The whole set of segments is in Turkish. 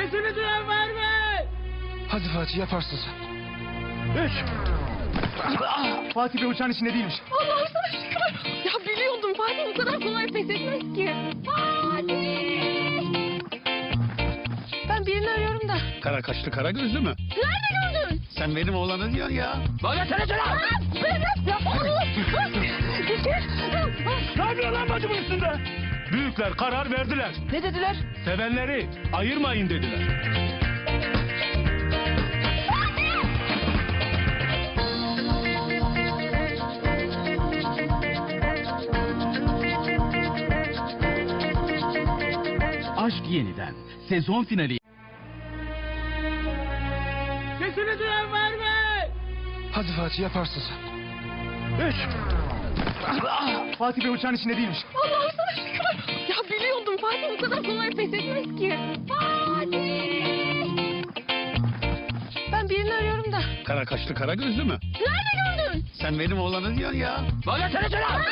Sesimi duyan var mı? Hadi Fatih, yaparsın sen. 3. Fatih Bey uçağın içinde değilmiş. Allah'ım sana şükür. Ya biliyordum Fatih bu kadar kolay pes etmez ki. Fatih! Ben birini arıyorum da. Kara kaşlı kara gözlü mü? Nerede gördün? Sen benim oğlanı diyorsun ya. Bana telefon al. Ne yapıyor lan bacımın üstünde? Büyükler karar verdiler. Ne dediler? Sevenleri ayırmayın dediler. Aşk Yeniden sezon finali. Sesimi duyan var mı? Hadi Fatih, yaparsın sen. 3. Fatih Bey uçağın içinde değilmiş. Allah'ım sana şükür. Ya biliyordum Fatih bu kadar kolay pes etmez ki. Fatih! Ben birini arıyorum da. Kara kaşlı kara gözlü mü? Nerede gördün? Sen benim oğlanı diyorsun ya. Bana telefon al.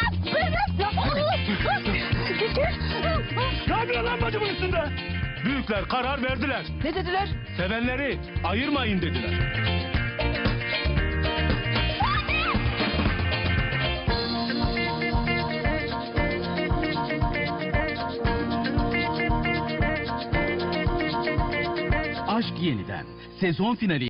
Ne yapıyor lan bacımın üstünde? Büyükler karar verdiler. Ne dediler? Sevenleri ayırmayın dediler. Aşk Yeniden sezon finali.